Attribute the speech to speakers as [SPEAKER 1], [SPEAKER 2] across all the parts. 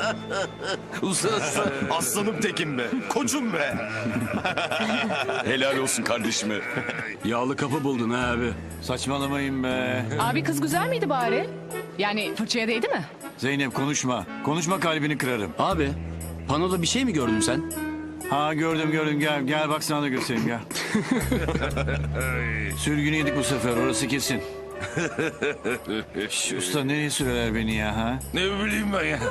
[SPEAKER 1] Usta aslanım tekim be. Koçum be.
[SPEAKER 2] Helal olsun kardeşime.
[SPEAKER 3] Yağlı kapı buldun ha abi. Saçmalamayın be.
[SPEAKER 4] Abi kız güzel miydi bari? Yani fırçaya değdi mi?
[SPEAKER 3] Zeynep konuşma. Konuşma kalbini kırarım.
[SPEAKER 5] Abi, panoda bir şey mi gördün sen?
[SPEAKER 3] Ha gördüm gel bak sana da göstereyim gel. Sürgünü yedik bu sefer orası kesin. Şş, usta nereye sürerler beni ya ha?
[SPEAKER 1] Ne bileyim ben ya.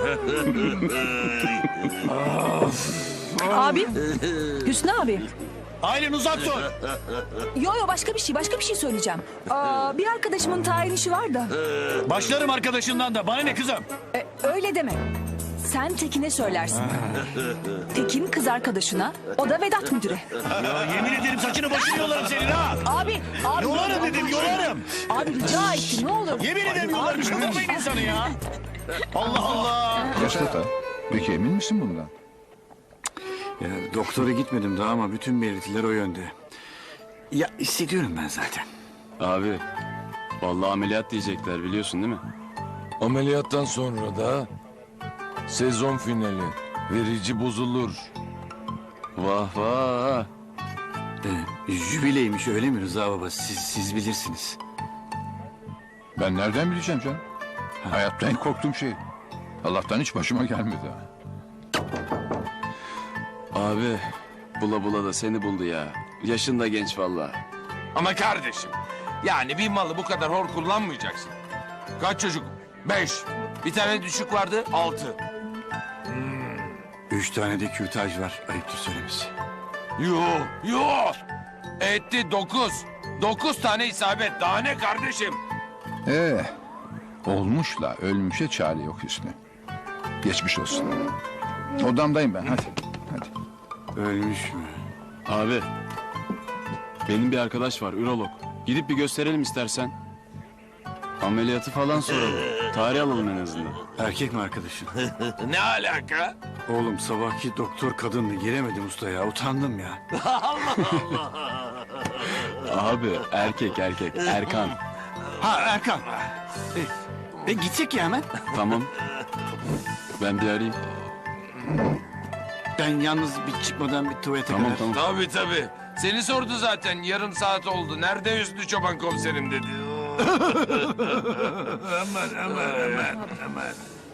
[SPEAKER 6] Abi. Hüsnü abi.
[SPEAKER 3] Aylin uzak dur.
[SPEAKER 6] Yo başka bir şey söyleyeceğim. Bir arkadaşımın tayin işi var da.
[SPEAKER 3] Başlarım arkadaşından da bana ne kızım?
[SPEAKER 6] Öyle deme. Sen Tekin'e söylersin. Tekin kız arkadaşına, o da Vedat müdüre.
[SPEAKER 3] Ya yemin ederim saçını başını yolarım senin ha.
[SPEAKER 6] Abi.
[SPEAKER 3] Yolarım dedim yolarım.
[SPEAKER 6] Abi rica ettim ne olur.
[SPEAKER 3] Yemin ederim yolarım. Kıvırmayın insanı ya. Allah Allah.
[SPEAKER 7] Mustafa, peki emin misin bundan?
[SPEAKER 3] Ya, doktora gitmedim daha ama bütün belirtiler o yönde. Ya hissediyorum ben zaten.
[SPEAKER 5] Abi, vallahi ameliyat diyecekler biliyorsun değil mi?
[SPEAKER 1] Ameliyattan sonra da sezon finali. Verici bozulur.
[SPEAKER 5] Vah vah.
[SPEAKER 3] Jübileymiş öyle mi Rıza baba? Siz bilirsiniz.
[SPEAKER 7] Ben nereden bileceğim canım? Hayatta en korktuğum şey. Allah'tan hiç başıma gelmedi.
[SPEAKER 5] Abi, bula bula da seni buldu ya. Yaşın da genç vallahi.
[SPEAKER 1] Ama kardeşim yani bir malı bu kadar hor kullanmayacaksın. Kaç çocuk? 5. Bir tane düşük vardı 6.
[SPEAKER 3] 3 tane de kürtaj var. Ayıptır söylemesi.
[SPEAKER 1] Yo. Etti 9. 9 tane isabet. Daha ne kardeşim?
[SPEAKER 7] Olmuşla ölmüşe çare yok Hüsnü. Geçmiş olsun. Odamdayım ben, hadi.
[SPEAKER 3] Ölmüş mü?
[SPEAKER 5] Abi, benim bir arkadaş var, ürolog. Gidip bir gösterelim istersen. Ameliyatı falan soralım. Tarih alalım en azından.
[SPEAKER 3] Erkek mi arkadaşın?
[SPEAKER 1] Ne alaka?
[SPEAKER 3] Oğlum sabahki doktor kadındı. Giremedim usta ya. Utandım ya.
[SPEAKER 5] Abi, erkek. Erkan.
[SPEAKER 3] Ha Erkan. Gitsek ya hemen.
[SPEAKER 5] Tamam. Ben bir arayayım.
[SPEAKER 3] Ben yalnız bir çıkmadan bir tuvalete kadar.
[SPEAKER 5] Tamam.
[SPEAKER 1] Tabii. Seni sordu zaten. Yarım saat oldu. Nerede Hüsnü Çoban komiserim dedi. aman.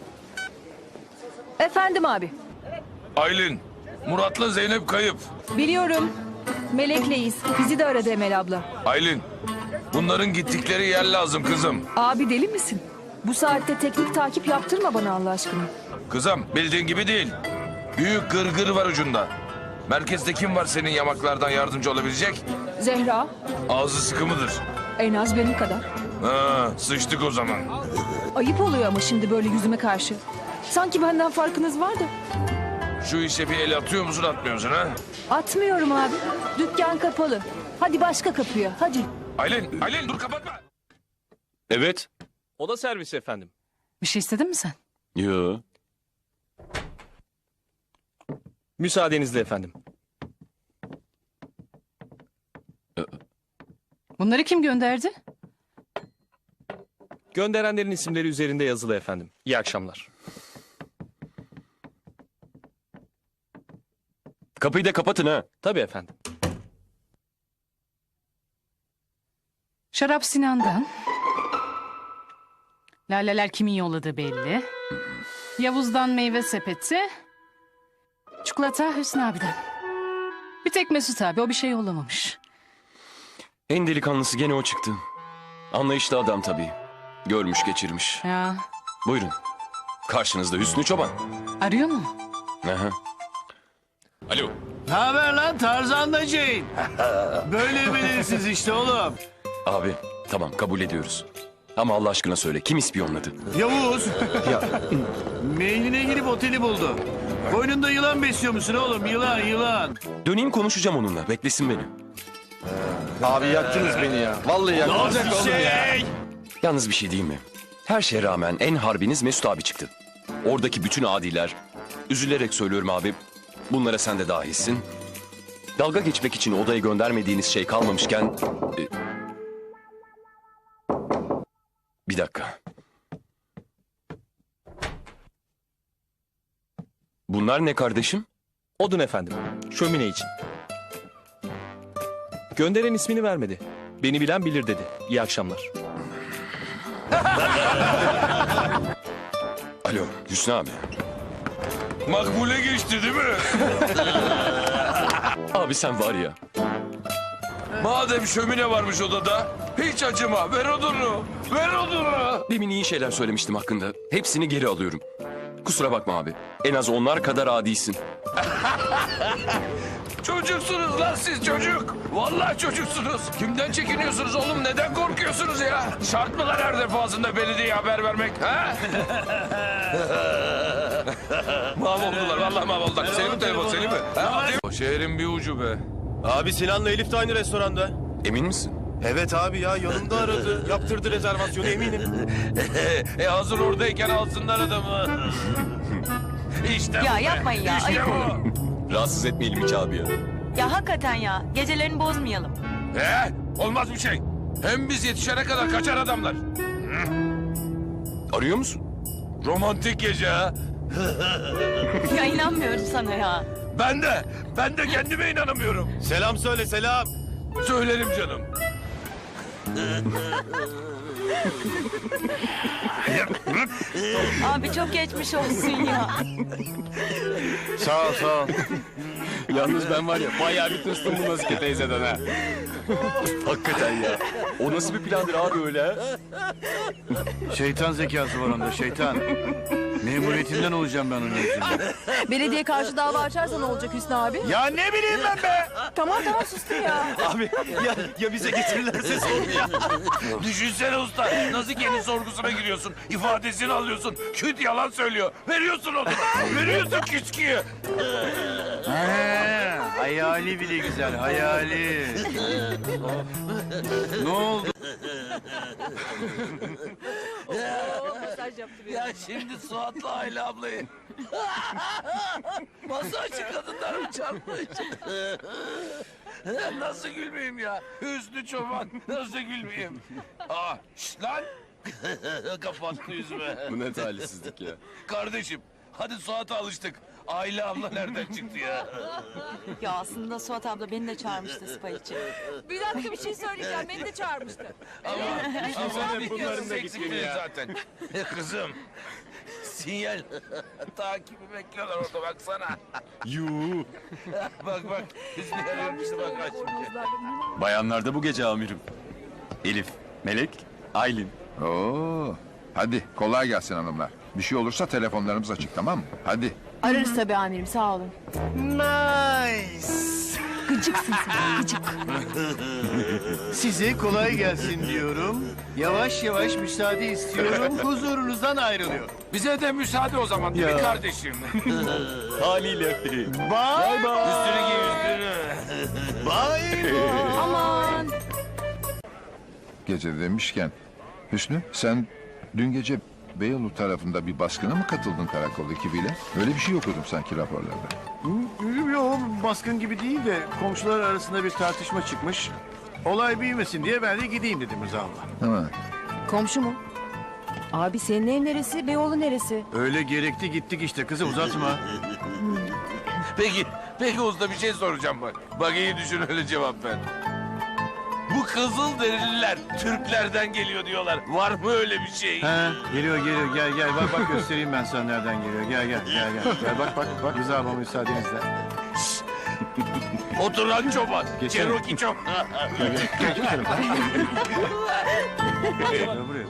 [SPEAKER 6] Efendim abi.
[SPEAKER 1] Aylin, Murat'la Zeynep kayıp.
[SPEAKER 6] Biliyorum. Melek'leyiz. Bizi de aradı Emel abla.
[SPEAKER 1] Aylin, bunların gittikleri yer lazım kızım.
[SPEAKER 6] Abi deli misin? Bu saatte teknik takip yaptırma bana Allah aşkına.
[SPEAKER 1] Kızım, bildiğin gibi değil. Büyük gırgır var ucunda. Merkezde kim var senin yamaklardan yardımcı olabilecek?
[SPEAKER 6] Zehra
[SPEAKER 1] Ağzı sıkı mıdır?
[SPEAKER 6] en az benim kadar.
[SPEAKER 1] Ha, sıçtık o zaman.
[SPEAKER 6] Ayıp oluyor ama şimdi böyle yüzüme karşı. Sanki benden farkınız var da.
[SPEAKER 1] Şu işe bir el atıyor musun atmıyor musun ha?
[SPEAKER 6] Atmıyorum abi. Dükkan kapalı. Hadi başka kapıya hadi.
[SPEAKER 1] Aylin dur kapatma.
[SPEAKER 5] Evet.
[SPEAKER 8] Oda servisi efendim.
[SPEAKER 4] Bir şey istedin mi sen?
[SPEAKER 5] Yo.
[SPEAKER 8] Müsaadenizle efendim.
[SPEAKER 4] Bunları kim gönderdi?
[SPEAKER 8] Gönderenlerin isimleri üzerinde yazılı efendim. İyi akşamlar.
[SPEAKER 5] Kapıyı da kapatın ha.
[SPEAKER 8] Tabii efendim.
[SPEAKER 4] Şarap Sinan'dan. Laleler kimin yolladığı belli. Yavuz'dan meyve sepeti. Çikolata Hüsnü abiden. Bir tek Mesut abi o bir şey yollamamış.
[SPEAKER 2] En delikanlısı gene o çıktı. Anlayışlı adam tabii. Görmüş geçirmiş.
[SPEAKER 4] Ya
[SPEAKER 2] Buyurun. Karşınızda Hüsnü Çoban.
[SPEAKER 4] arıyor mu?
[SPEAKER 2] Aha. Alo.
[SPEAKER 3] Ne haber lan Tarzan da Jane? Böyle belirsiz işte oğlum.
[SPEAKER 2] Abi tamam kabul ediyoruz. Ama Allah aşkına söyle kim ispiyonladı?
[SPEAKER 3] Yavuz. Mailine girip oteli buldu. Koynunda yılan besliyor musun oğlum? Yılan.
[SPEAKER 2] Döneyim konuşacağım onunla. Beklesin beni.
[SPEAKER 9] Abi yaktınız beni ya. Vallahi yaktınız.
[SPEAKER 2] Yalnız bir şey diyeyim mi? Her şeye rağmen en harbiniz Mesut abi çıktı. Oradaki bütün adiler, üzülerek söylüyorum abi, bunlara sen de dahilsin. Dalga geçmek için odaya göndermediğiniz şey kalmamışken... Bir dakika. Bunlar ne kardeşim?
[SPEAKER 8] Odun efendim. Şömine için. Gönderen ismini vermedi. Beni bilen bilir dedi. İyi akşamlar.
[SPEAKER 2] Alo Hüsnü abi.
[SPEAKER 1] Makbule geçti değil mi?
[SPEAKER 2] Abi sen var ya.
[SPEAKER 1] Madem şömine varmış odada, hiç acıma. Ver odunu. Ver odunu.
[SPEAKER 2] Demin iyi şeyler söylemiştim hakkında. Hepsini geri alıyorum. Kusura bakma abi. En az onlar kadar adisin.
[SPEAKER 1] Çocuksunuz lan siz çocuk. Vallahi çocuksunuz. Kimden çekiniyorsunuz oğlum? Neden korkuyorsunuz ya? Şart mı lan her defasında belediyeye haber vermek? Ha? Mahvoldular. Vallahi mahvoldular. Senin mi telefon? Senin mi? Ha? O şehrin bir ucu be.
[SPEAKER 9] Abi Sinan'la Elif de aynı restoranda.
[SPEAKER 2] Emin misin?
[SPEAKER 9] Evet abi ya yanımda aradı. Yaptırdı rezervasyonu eminim.
[SPEAKER 1] Hazır oradayken alsınlar adamı. İşte
[SPEAKER 6] Ya
[SPEAKER 1] bu be.
[SPEAKER 6] yapmayın ya,
[SPEAKER 1] İşte
[SPEAKER 6] ayıp
[SPEAKER 1] bu.
[SPEAKER 2] Rahatsız etmeyelim hiç abi ya.
[SPEAKER 6] Ya hakikaten ya. Gecelerini bozmayalım.
[SPEAKER 1] Olmaz bir şey. Hem biz yetişene kadar kaçar adamlar.
[SPEAKER 2] Arıyor musun?
[SPEAKER 1] Romantik gece ha.
[SPEAKER 6] Ya inanmıyorum sana ya.
[SPEAKER 1] Ben de kendime inanamıyorum.
[SPEAKER 9] Selam söyle selam.
[SPEAKER 1] Söylerim canım.
[SPEAKER 6] Abi çok geçmiş olsun ya.
[SPEAKER 9] Sağ ol sağ ol.
[SPEAKER 5] Yalnız ben var ya bayağı bir tırstım bu Nazike teyzeden ha.
[SPEAKER 2] Hakikaten ya. O nasıl bir plandır abi öyle ha?
[SPEAKER 3] Şeytan zekası var onda şeytan. Memuriyetinden olacağım ben onun yüzünden.
[SPEAKER 6] Belediye karşı dava açarsa ne olacak Hüsnü abi?
[SPEAKER 3] Ya ne bileyim ben be.
[SPEAKER 6] Tamam sustum ya.
[SPEAKER 9] Abi ya bize getirirlerse sorun ya.
[SPEAKER 1] Düşünsene usta. Nasıl kendi sorgusuna giriyorsun? İfadesini alıyorsun. Küt yalan söylüyor. Veriyorsun onu. Veriyorsun küsküyü.
[SPEAKER 3] Hayali bile güzel hayali. Ne oldu?
[SPEAKER 1] Ya şimdi Suat'la Ayla ablayı. Masa açık kadınlar mı çarpmış? Nasıl gülmeyeyim ya? Hüsnü Çoban. Nasıl gülmeyeyim? Şşt lan. Kapattı yüzüme.
[SPEAKER 5] Bu ne talihsizlik ya.
[SPEAKER 1] Kardeşim hadi Suat'a alıştık. Ayla abla nereden çıktı ya?
[SPEAKER 6] Ya aslında Suat abla beni de çağırmıştı spa için. Bir dakika bir şey söyleyeceğim. Beni de çağırmıştı.
[SPEAKER 1] Ama
[SPEAKER 5] bunların da gittiğini ya.
[SPEAKER 1] zaten. Kızım. Sinyal. Takibi bekliyorlar orada baksana.
[SPEAKER 5] Yuu.
[SPEAKER 1] Bak. Hüsnü arıyorum işte bak açmayacak.
[SPEAKER 5] Bayanlarda bu gece amirim. Elif, Melek, Aylin.
[SPEAKER 7] Oo. Hadi kolay gelsin hanımlar. Bir şey olursa telefonlarımız açık tamam mı? Hadi.
[SPEAKER 6] Ararız tabii amirim sağ olun.
[SPEAKER 3] Nice.
[SPEAKER 6] Gıcıksın sen gıcık.
[SPEAKER 3] Size kolay gelsin diyorum. Yavaş yavaş müsaade istiyorum. Huzurunuzdan ayrılıyor.
[SPEAKER 1] Bize de müsaade o zaman değil mi kardeşim?
[SPEAKER 5] Haliyle.
[SPEAKER 3] Bye bye.
[SPEAKER 1] Üstünü giy üstünü.
[SPEAKER 3] Bye bye.
[SPEAKER 6] Aman.
[SPEAKER 7] Gece demişken Hüsnü sen dün gece Beyoğlu tarafında bir baskına mı katıldın karakol ekibiyle? Öyle bir şey okudum sanki raporlarda.
[SPEAKER 3] Yok baskın gibi değil de komşular arasında bir tartışma çıkmış. Olay büyümesin diye ben de gideyim dedim Rıza abla.
[SPEAKER 7] Ha.
[SPEAKER 6] Komşu mu? Abi senin ev neresi? Beyoğlu neresi?
[SPEAKER 3] Öyle gerekti gittik işte kızı uzatma.
[SPEAKER 1] Peki usta bir şey soracağım bak. Bak iyi düşün öyle cevap ver. Bu Kızılderililer Türklerden geliyor diyorlar. Var mı öyle bir şey?
[SPEAKER 3] He, geliyor gel bak göstereyim ben sana nereden geliyor. Gel. Gel bak Rıza abla müsaadenizle.
[SPEAKER 1] Oturan çoban.
[SPEAKER 3] Geçelim.
[SPEAKER 1] Cherokee çoban.
[SPEAKER 3] Buraya.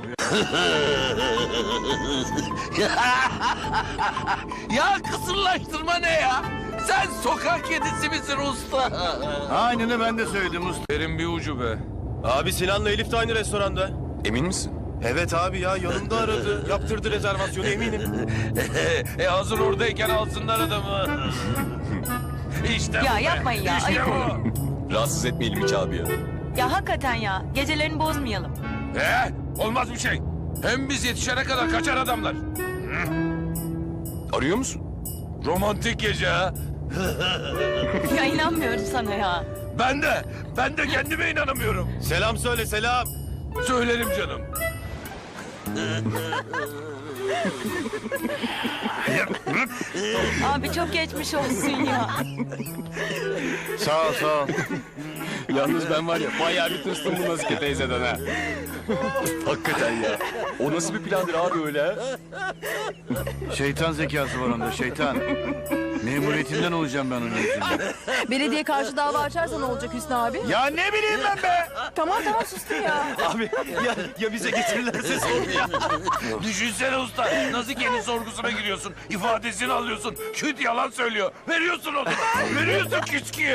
[SPEAKER 1] Ya kısırlaştırma ne ya? Sen sokak kedisi misin usta?
[SPEAKER 3] Aynen ben de söyledim usta.
[SPEAKER 1] Yerin bir ucu be.
[SPEAKER 9] Abi Sinan'la Elif de aynı restoranda.
[SPEAKER 2] Emin misin?
[SPEAKER 9] Evet abi ya yanımda aradı. Yaptırdı rezervasyonu eminim.
[SPEAKER 1] Hazır oradayken alsınlar adamı. İşte
[SPEAKER 6] Ya
[SPEAKER 1] bu be.
[SPEAKER 6] yapmayın ya,
[SPEAKER 1] İşte
[SPEAKER 6] ayıp
[SPEAKER 1] bu.
[SPEAKER 2] Rahatsız etmeyelim hiç abi ya.
[SPEAKER 6] Ya hakikaten ya. Gecelerini bozmayalım.
[SPEAKER 1] Olmaz bir şey. Hem biz yetişene kadar kaçar adamlar.
[SPEAKER 2] Arıyor musun?
[SPEAKER 1] Romantik gece ha.
[SPEAKER 6] Ya inanmıyorum sana ya.
[SPEAKER 1] Ben de kendime inanamıyorum.
[SPEAKER 9] Selam söyle selam.
[SPEAKER 1] Söylerim canım.
[SPEAKER 6] Abi çok geçmiş olsun ya.
[SPEAKER 3] Sağ ol, sağ ol.
[SPEAKER 5] Yalnız ben var ya bayağı bir tırstım bu Nazike teyzeden ha.
[SPEAKER 2] Hakikaten ya. O nasıl bir plandır abi öyle ha?
[SPEAKER 3] Şeytan zekası var onda, şeytan. Memuriyetinden olacağım ben onun yüzünden.
[SPEAKER 6] Belediye karşı dava açarsa ne olacak Hüsnü abi?
[SPEAKER 3] Ya ne bileyim ben be!
[SPEAKER 6] Tamam sustum ya.
[SPEAKER 8] Abi ya bize getirirlerse sorun ya.
[SPEAKER 1] Düşünsene usta. Nazike'nin sorgusuna giriyorsun. İfadesini alıyorsun. Küt yalan söylüyor. Veriyorsun onu. Veriyorsun küçüküyü.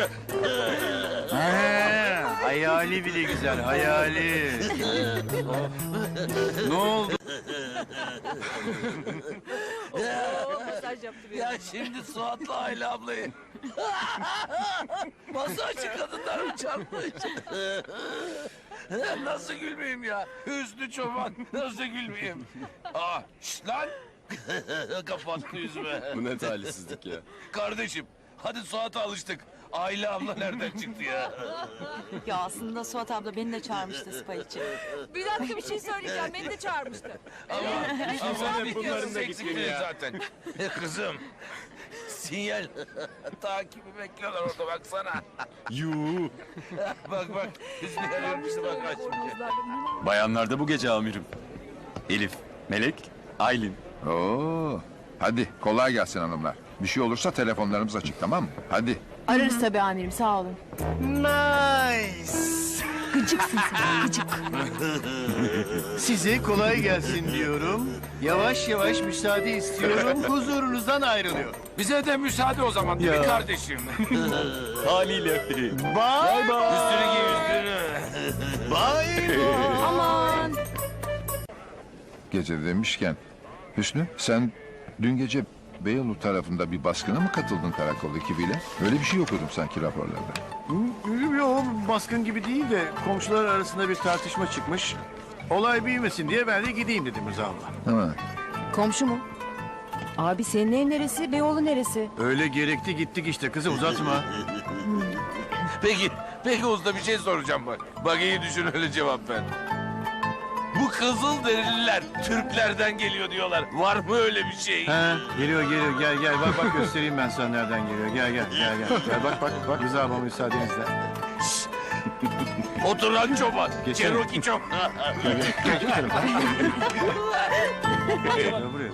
[SPEAKER 3] He, hayali bile güzel, hayali. Ne oldu?
[SPEAKER 1] Ya şimdi Suat'la Ayla ablayı. Masa açık kadınlar mı çarpmış? Nasıl gülmeyeyim ya? Hüsnü Çoban. Nasıl gülmeyeyim? Aa, şşt lan. Kapattı yüzüme.
[SPEAKER 5] Bu ne talihsizlik ya.
[SPEAKER 1] Kardeşim, hadi Suat'a alıştık. Ayla abla nereden çıktı ya?
[SPEAKER 6] Ya aslında Suat abla beni de çağırmıştı spa için. Bir dakika bir şey söyleyeceğim. Beni de çağırmıştı.
[SPEAKER 1] Ama bunların da eksikliği zaten. Kızım, sinyal takibi bekliyorlar orada baksana.
[SPEAKER 5] Yuu.
[SPEAKER 1] Bak, Hüsnü arıyormuştu bak açmayacak.
[SPEAKER 5] Bayanlarda bu gece amirim. Elif, Melek, Aylin.
[SPEAKER 7] Oo. Hadi kolay gelsin hanımlar. Bir şey olursa telefonlarımız açık, tamam mı? Hadi.
[SPEAKER 6] Ararız tabii amirim sağ olun.
[SPEAKER 3] Nice.
[SPEAKER 6] Gıcıksın sen gıcık.
[SPEAKER 3] Size kolay gelsin diyorum. Yavaş yavaş müsaade istiyorum. Huzurunuzdan ayrılıyor.
[SPEAKER 1] Bize de müsaade o zaman değil mi kardeşim?
[SPEAKER 8] Haliyle.
[SPEAKER 3] Bye bye.
[SPEAKER 1] Üstünü giy üstünü.
[SPEAKER 3] Bye bye.
[SPEAKER 6] Aman.
[SPEAKER 7] Gece demişken Hüsnü, sen dün gece Beyoğlu tarafında bir baskına mı katıldın karakol ekibiyle? Öyle bir şey okudum sanki raporlarda.
[SPEAKER 3] Yok, baskın gibi değil de komşular arasında bir tartışma çıkmış. Olay büyümesin diye ben de gideyim dedim Rıza abla.
[SPEAKER 7] Ha.
[SPEAKER 6] Komşu mu? Abi senin ev neresi? Beyoğlu neresi?
[SPEAKER 3] Öyle gerekti gittik işte, kızı uzatma.
[SPEAKER 1] Peki usta bir şey soracağım bak. Bak iyi düşün öyle cevap ver. Bu Kızılderililer Türklerden geliyor diyorlar. Var mı öyle bir şey?
[SPEAKER 3] He, geliyor gel bak göstereyim ben sana nereden geliyor. Gel. Gel bak Rıza abla müsaadenizle.
[SPEAKER 1] Oturan çoban.
[SPEAKER 3] Geçelim.
[SPEAKER 1] Cherokee çoban.
[SPEAKER 3] Buraya.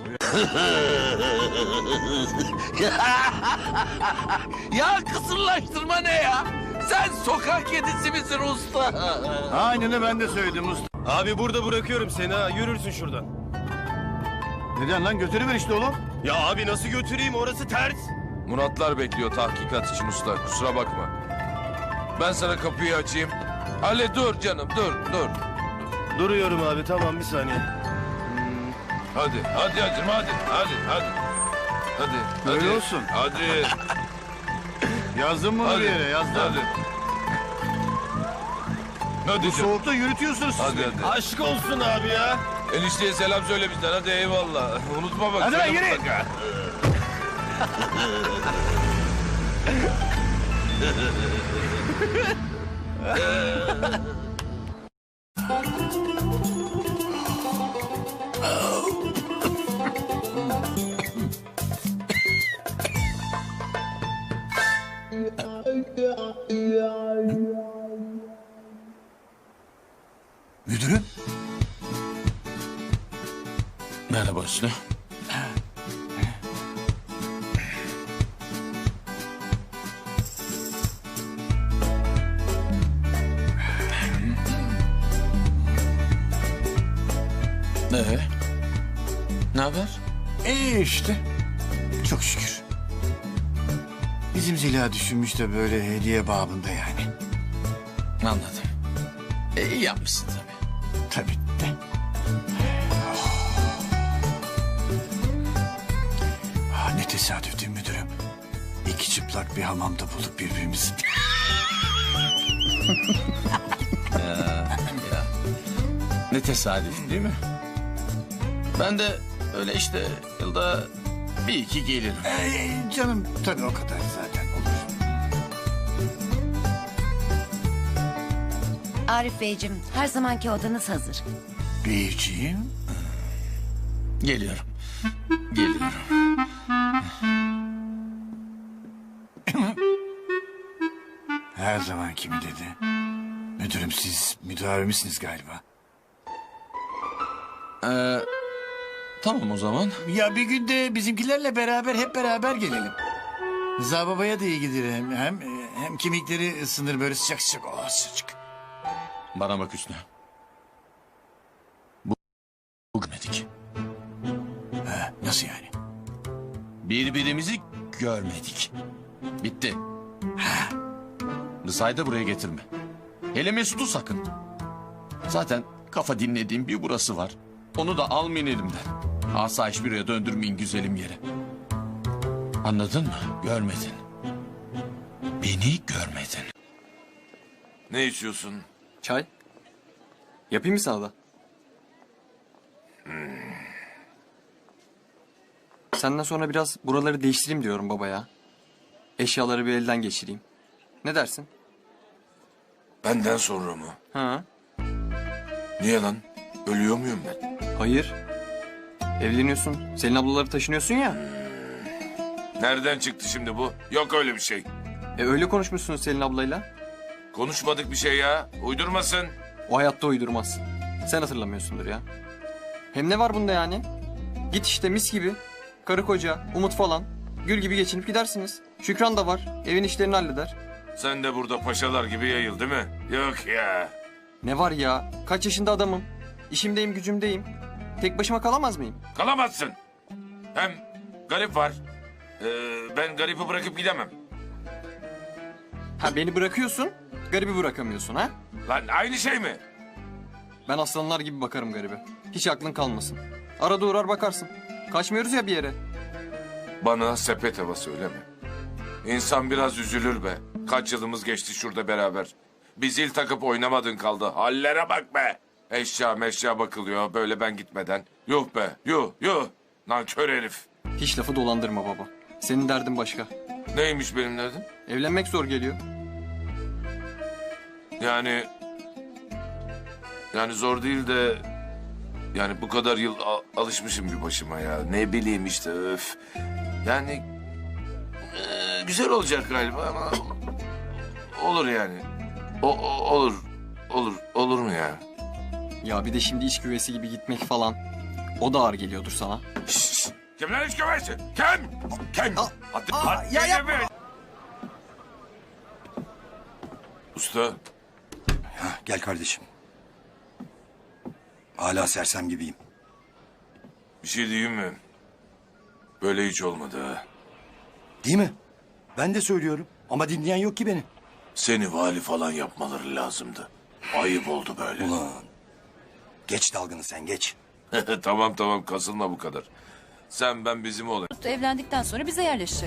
[SPEAKER 1] Ya kısırlaştırma ne ya? Sen sokak kedisi misin usta?
[SPEAKER 3] Aynen ben de söyledim usta.
[SPEAKER 8] Abi burada bırakıyorum seni ha. Yürürsün şuradan.
[SPEAKER 3] Neden lan, götürüver işte oğlum.
[SPEAKER 8] Ya abi nasıl götüreyim, orası ters.
[SPEAKER 1] Muratlar bekliyor tahkikat için usta. Kusura bakma. Ben sana kapıyı açayım. Ali dur canım dur.
[SPEAKER 8] Duruyorum abi, tamam bir saniye.
[SPEAKER 1] Hadi hacım hadi.
[SPEAKER 3] Öyle
[SPEAKER 1] hadi.
[SPEAKER 3] olsun.
[SPEAKER 1] Hadi.
[SPEAKER 3] Yazdım bunu bir yere, yazdım.
[SPEAKER 1] Hadi. Hadi canım.
[SPEAKER 3] Soğukta yürütüyorsunuz siz.
[SPEAKER 1] Hadi.
[SPEAKER 8] Aşk olsun abi ya.
[SPEAKER 1] Enişteye selam söyle bizden. Hadi eyvallah. Unutma bak.
[SPEAKER 3] Hadi lan,
[SPEAKER 1] söyle
[SPEAKER 3] yürü.
[SPEAKER 1] mutlaka.
[SPEAKER 3] Müdürüm.
[SPEAKER 1] Merhaba Hüsnü. Ne haber?
[SPEAKER 3] İyi işte. Çok şükür. Bizim Zeliha düşünmüş de böyle hediye babında yani.
[SPEAKER 1] Anladım. İyi yapmışsın tabii.
[SPEAKER 3] Tabii de. Ne tesadüf değil mi müdürüm? İki çıplak bir hamamda bulduk birbirimizi.
[SPEAKER 1] Ne tesadüf değil mi? Ben de öyle işte yılda bir iki gelirim.
[SPEAKER 3] Canım tabii o kadar zaten olur.
[SPEAKER 10] Arif Beyciğim, her zamanki odanız hazır.
[SPEAKER 3] Beyciğim.
[SPEAKER 1] Geliyorum. Geliyorum.
[SPEAKER 3] Her zaman kimi dedi. Müdürüm siz müdavimi misiniz galiba?
[SPEAKER 1] Tamam o zaman.
[SPEAKER 3] Ya bir gün de bizimkilerle beraber hep beraber gelelim. Rıza babaya da iyi gelir hem kemikleri ısınır böyle sıcak sıcak. Oh sıcak.
[SPEAKER 1] Bana bak Hüsnü. Görmedik.
[SPEAKER 3] Nasıl yani?
[SPEAKER 1] Birbirimizi görmedik. Bitti. Rıza'yı da buraya getirme. Hele Mesut'u sakın. Zaten kafa dinlediğim bir burası var. Onu da almayın elimden. Asayiş buraya döndürmeyin güzelim yere. Anladın mı? Görmedin. Beni görmedin. Ne içiyorsun?
[SPEAKER 9] Çay. Yapayım mı sana da? Senden sonra biraz buraları değiştireyim diyorum baba ya. Eşyaları bir elden geçireyim. Ne dersin?
[SPEAKER 1] Benden sonra mı?
[SPEAKER 9] Ha?
[SPEAKER 1] Niye lan? Ölüyor muyum ben?
[SPEAKER 9] Hayır. Evleniyorsun. Selin ablaları taşınıyorsun ya.
[SPEAKER 1] Nereden çıktı şimdi bu? Yok öyle bir şey.
[SPEAKER 9] Öyle konuşmuşsunuz Selin ablayla.
[SPEAKER 1] Konuşmadık bir şey ya. Uydurmasın.
[SPEAKER 9] O hayatta uydurmaz. Sen hatırlamıyorsundur ya. Hem ne var bunda yani? Git işte mis gibi. Karı koca, Umut falan. Gül gibi geçinip gidersiniz. Şükran da var. Evin işlerini halleder.
[SPEAKER 1] Sen de burada paşalar gibi yayıl değil mi? Yok ya.
[SPEAKER 9] Ne var ya? Kaç yaşında adamım. İşimdeyim, gücümdeyim. Tek başıma kalamaz mıyım?
[SPEAKER 1] Kalamazsın. Hem garip var. Ben garipi bırakıp gidemem.
[SPEAKER 9] Ha beni bırakıyorsun, garibi bırakamıyorsun ha?
[SPEAKER 1] Lan aynı şey mi?
[SPEAKER 9] Ben aslanlar gibi bakarım garibe. Hiç aklın kalmasın. Arada uğrar bakarsın. Kaçmıyoruz ya bir yere.
[SPEAKER 1] Bana sepet hava söyleme. İnsan biraz üzülür be. Kaç yılımız geçti şurada beraber. Bir zil takıp oynamadın kaldı. Hallere bak be. Eşya meşya bakılıyor böyle ben gitmeden. Yuh be yuh. Nankör herif.
[SPEAKER 9] Hiç lafı dolandırma baba. Senin derdin başka.
[SPEAKER 1] Neymiş benim derdim?
[SPEAKER 9] Evlenmek zor geliyor.
[SPEAKER 1] Yani zor değil de yani bu kadar yıl alışmışım bir başıma ya. Ne bileyim işte öf. Yani güzel olacak galiba ama olur yani. Olur mu ya?
[SPEAKER 9] Ya bir de şimdi iç güvesi gibi gitmek falan. O da ağır geliyordur sana.
[SPEAKER 1] Şşş. Kim lan hiç güvensin? Kim?
[SPEAKER 9] ya yapma.
[SPEAKER 1] Usta.
[SPEAKER 10] Gel kardeşim. Hala sersem gibiyim.
[SPEAKER 1] Bir şey diyeyim mi? Böyle hiç olmadı ha.
[SPEAKER 10] Değil mi? Ben de söylüyorum. Ama dinleyen yok ki beni.
[SPEAKER 1] Seni vali falan yapmaları lazımdı. Ayıp oldu böyle.
[SPEAKER 10] Ulan. Geç dalgını sen geç.
[SPEAKER 1] Tamam kasılma bu kadar. Sen ben bizim olayım.
[SPEAKER 6] Evlendikten sonra bize yerleşecek.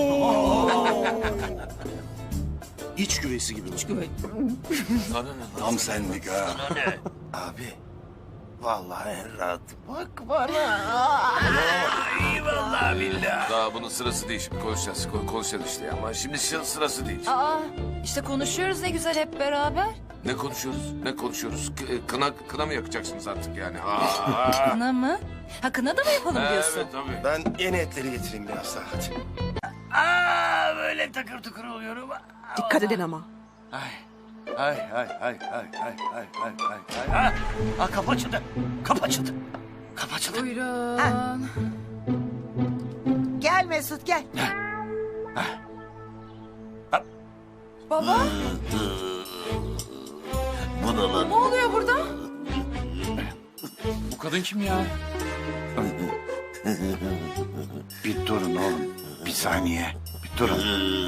[SPEAKER 10] İç güvesi gibi.
[SPEAKER 1] Sana ne lan?
[SPEAKER 10] Tam senlik ha.
[SPEAKER 3] Abi vallahi en rahat bak bana.
[SPEAKER 1] Daha bunun sırası değil şimdi konuşacağız işte ama şimdi sırası değil.
[SPEAKER 6] Aa, işte konuşuyoruz ne güzel hep beraber.
[SPEAKER 1] Ne konuşuyoruz? Kına mı yakacaksınız artık yani?
[SPEAKER 6] Kına mı? Ha kına da mı yapalım diyorsun?
[SPEAKER 1] Evet tabii.
[SPEAKER 10] Ben yeni etleri getireyim biraz daha hadi.
[SPEAKER 3] Böyle takır tukur oluyorum.
[SPEAKER 6] Dikkat edin ama.
[SPEAKER 3] Ay. Kapı açıldı.
[SPEAKER 6] Buyurun.
[SPEAKER 11] Gel Mesut gel.
[SPEAKER 6] Baba. Ne oluyor burada?
[SPEAKER 5] Bu kadın kim ya?
[SPEAKER 3] Bir durun oğlum. Bir saniye. Bir durun.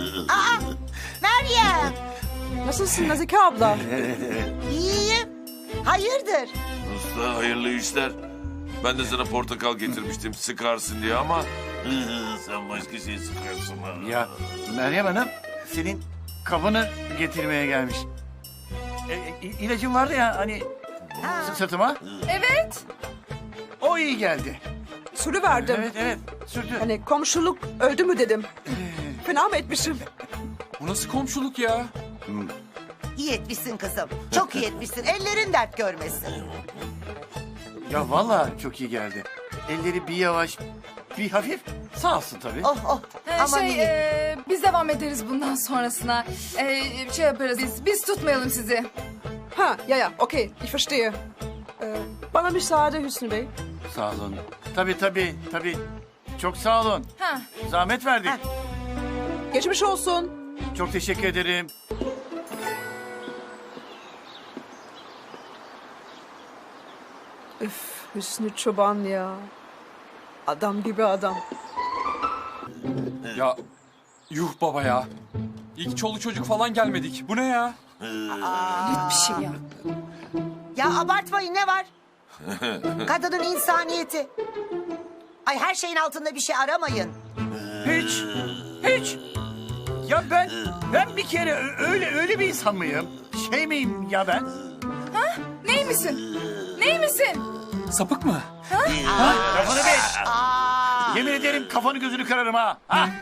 [SPEAKER 11] Meryem.
[SPEAKER 6] Nasılsın Nazike abla?
[SPEAKER 11] İyiyim. Hayırdır?
[SPEAKER 1] Usta hayırlı işler. Ben de sana portakal getirmiştim sıkarsın diye ama... Sen başka şey sıkıyorsun ha.
[SPEAKER 3] Ya Meryem Hanım senin kabını getirmeye gelmiş. İlacın vardı ya hani sırtıma.
[SPEAKER 6] Evet.
[SPEAKER 3] O iyi geldi.
[SPEAKER 6] Sürü verdim.
[SPEAKER 3] Evet sürdü.
[SPEAKER 6] Hani komşuluk öldü mü dedim. Fena mı etmişim?
[SPEAKER 5] Bu nasıl komşuluk ya?
[SPEAKER 11] İyi etmişsin kızım. Çok iyi etmişsin. Ellerin dert görmesin.
[SPEAKER 3] Ya vallahi çok iyi geldi. elleri bir yavaş, bir hafif. Sağ olsun tabii.
[SPEAKER 11] Oh oh. Aman iyi.
[SPEAKER 6] Biz devam ederiz bundan sonrasına. Şey yaparız biz tutmayalım sizi.
[SPEAKER 12] Ha, ja, okay, ich verstehe. Bana müsaade Hüsnü Bey.
[SPEAKER 3] Sağ olun. Tabii. Çok sağ olun.
[SPEAKER 6] Ha.
[SPEAKER 3] Zahmet verdik.
[SPEAKER 11] Ha.
[SPEAKER 12] Geçmiş olsun.
[SPEAKER 3] Çok teşekkür ederim.
[SPEAKER 12] Üf, Hüsnü Çoban ya. Adam gibi adam.
[SPEAKER 13] Ya yuh baba ya. İlk çoluk çocuk falan gelmedik. Bu ne ya?
[SPEAKER 6] Bir şey ya.
[SPEAKER 11] Ya abartmayın ne var? Kadının insaniyeti. Ay her şeyin altında bir şey aramayın.
[SPEAKER 3] Hiç. Ya ben bir kere öyle bir insan mıyım? Şey miyim ya ben?
[SPEAKER 6] Ney misin? Ney misin?
[SPEAKER 13] Sapık mı?
[SPEAKER 3] Kafanı beş. Yemin ederim kafanı gözünü kırarım ha.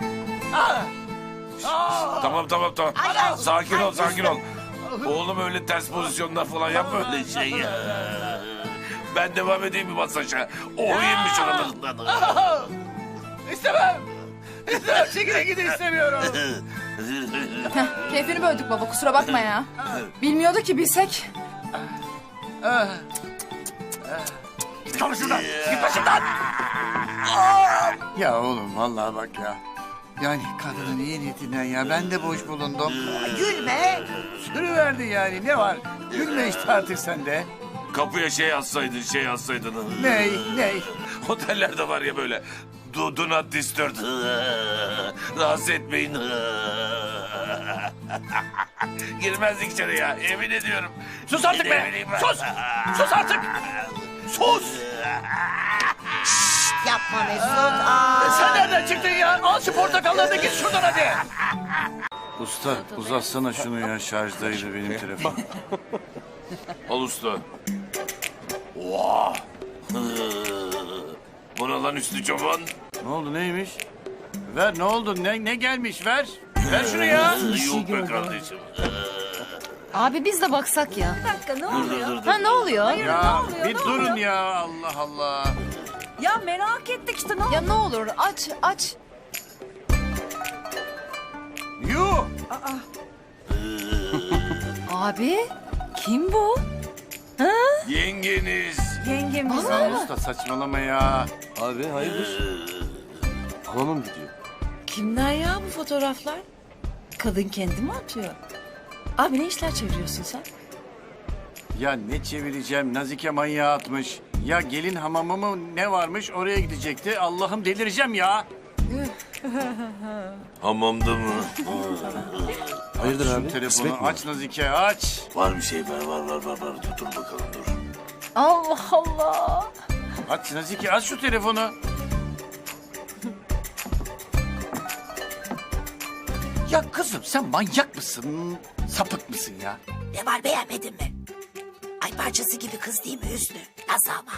[SPEAKER 14] Tamam.
[SPEAKER 11] Ay,
[SPEAKER 14] Sakin
[SPEAKER 11] ay,
[SPEAKER 14] ol, sakin ol. Oğlum öyle ters pozisyonlar falan yapma öyle şey ya. Ben devam edeyim mi masaja? O yemiş aralarından.
[SPEAKER 3] İstemem. Çekilin gidin istemiyorum.
[SPEAKER 6] Keyfini böldük baba kusura bakma ya. Bilmiyordu ki bilsek.
[SPEAKER 3] Git kalın şuradan. Git başımdan. Ya oğlum vallahi bak ya. Yani kadının iyi niyetinden ya ben de boş bulundum.
[SPEAKER 11] Gülme.
[SPEAKER 3] Sürüverdi yani ne var? Gülme işte artık sen de.
[SPEAKER 14] Kapıya şey yazsaydın.
[SPEAKER 3] Ney?
[SPEAKER 14] Otellerde var ya böyle. Do not disturb. Rahatsız etmeyin. Girmezdik içeri ya. Emin ediyorum.
[SPEAKER 3] Sus artık be.
[SPEAKER 14] Ne bileyim ben.
[SPEAKER 3] Sus artık. Sus.
[SPEAKER 11] Yapma Mesut.
[SPEAKER 3] Sen nereden çıktın ya? Al şu portakallarını git şuradan hadi. Usta uzatsana şunu ya şarjdaydı benim telefon.
[SPEAKER 14] Al usta. Oha. Bu ne lan Hüsnü Çoban?
[SPEAKER 3] Ne oldu neymiş? Ver ne oldu ne gelmiş ver. Ver şunu ya.
[SPEAKER 14] Yok be kardeşim.
[SPEAKER 6] Abi biz de baksak ya. Bir dakika ne oluyor? Ha ne oluyor?
[SPEAKER 3] Ya bir durun ya Allah Allah.
[SPEAKER 6] Ya merak ettik işte ne Ya ne olur aç.
[SPEAKER 3] Yuh.
[SPEAKER 6] Abi kim bu?
[SPEAKER 14] Yengeniz.
[SPEAKER 6] Yengemiz.
[SPEAKER 3] Ya usta saçmalama ya.
[SPEAKER 10] Abi hayırdır? Hamama mı gidiyor?
[SPEAKER 12] Kimler ya bu fotoğraflar? Kadın kendi mi atıyor? Abi ne işler çeviriyorsun sen?
[SPEAKER 3] Ya ne çevireceğim Nazike manyağı atmış. Ya gelin hamamı mı ne varmış oraya gidecekti. Allah'ım delireceğim ya.
[SPEAKER 14] Hamamda mı?
[SPEAKER 10] Hayırdır
[SPEAKER 3] Şu
[SPEAKER 10] abi?
[SPEAKER 3] telefonu
[SPEAKER 10] Kısmet mi?
[SPEAKER 3] aç Nazike aç.
[SPEAKER 14] Var bir şey var. Dur bakalım dur.
[SPEAKER 6] Allah Allah.
[SPEAKER 3] Aç Nazike aç şu telefonu. Ya kızım sen manyak mısın? Sapık mısın ya?
[SPEAKER 11] Ne var beğenmedin mi? Ay parçası gibi kız değil mi Hüsnü? Nasıl ama?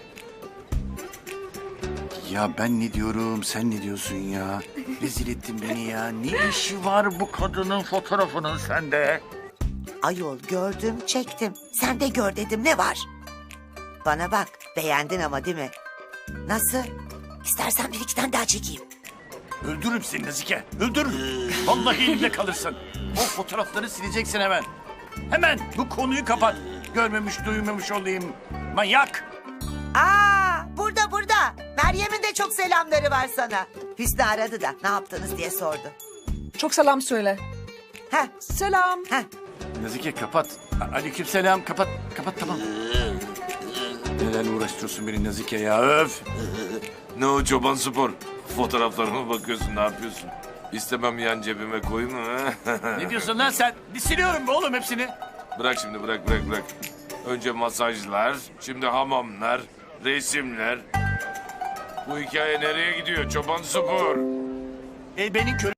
[SPEAKER 3] Ya ben ne diyorum sen ne diyorsun ya? Rezil ettin beni ya. Ne işi var bu kadının fotoğrafının sende?
[SPEAKER 11] Ayol gördüm çektim. Sen de gör dedim ne var? Bana bak beğendin ama değil mi? Nasıl? İstersen bir iki tane daha çekeyim.
[SPEAKER 3] Öldürürüm seni Nazike. Öldürürüm. Vallahi elimde kalırsın. O fotoğrafları sileceksin hemen. Hemen bu konuyu kapat. Görmemiş duymamış olayım. Manyak.
[SPEAKER 11] Burada. Meryem'in de çok selamları var sana. Hüsnü aradı da ne yaptınız diye sordu.
[SPEAKER 12] Çok selam söyle.
[SPEAKER 11] Heh,
[SPEAKER 12] Selam.
[SPEAKER 11] heh.
[SPEAKER 3] Nazike kapat. Aleykümselam kapat. Kapat tamam. Neden uğraştırıyorsun beni Nazike ya öf.
[SPEAKER 14] Ne o Çoban Spor? Fotoğraflarıma bakıyorsun ne yapıyorsun? İstemem yan cebime koyayım mı?
[SPEAKER 3] Ne diyorsun lan sen? Siliyorum be oğlum hepsini.
[SPEAKER 14] Bırak şimdi bırak. Önce masajlar, şimdi hamamlar, resimler. Bu hikaye nereye gidiyor Çoban Spor?
[SPEAKER 3] Benim